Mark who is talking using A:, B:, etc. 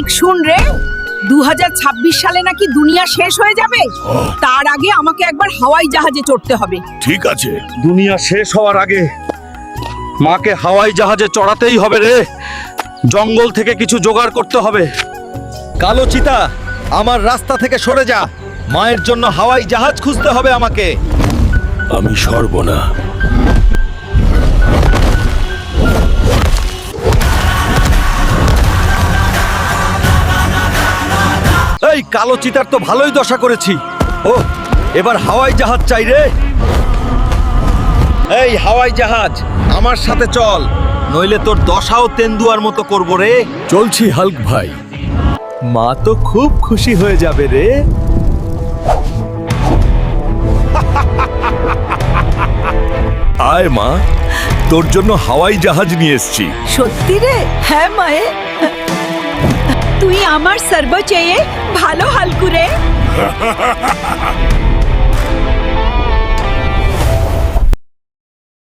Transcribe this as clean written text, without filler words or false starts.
A: Hulk শুন রে, 2026 সালে নাকি দুনিয়া শেষ হয়ে যাবে। তার আগে আমাকে একবার হাওয়াই জাহাজে চড়তে হবে।
B: ঠিক আছে।
C: দুনিয়া শেষ হওয়ার আগে মাকে হাওয়াই জাহাজে চড়াতেই হবে রে। জঙ্গল থেকে কিছু জোগাড় করতে হবে। কালো চিতা, আমার রাস্তা থেকে সরে যা। মায়ের জন্য হাওয়াই জাহাজ খুঁজতে হবে আমাকে।
B: আমি সরব না।
C: এই কালো চিতার তো ভালোই দশা করেছি। ও, এবার হাওয়াই জাহাজ চাই রে। এই হাওয়াই জাহাজ, আমার সাথে চল, নইলে তোর দশাও তেন্দুয়ার মতো করব রে।
B: চলছি হাল্ক ভাই।
C: মা তো খুব খুশি হয়ে যাবে রে।
B: আয় মা, তোর জন্য হাওয়াই জাহাজ নিয়ে এসেছি।
A: সত্যি রে? হ্যাঁ মায়ে, তুই আমার সর্ব চেয়ে ভালো হালকু রে।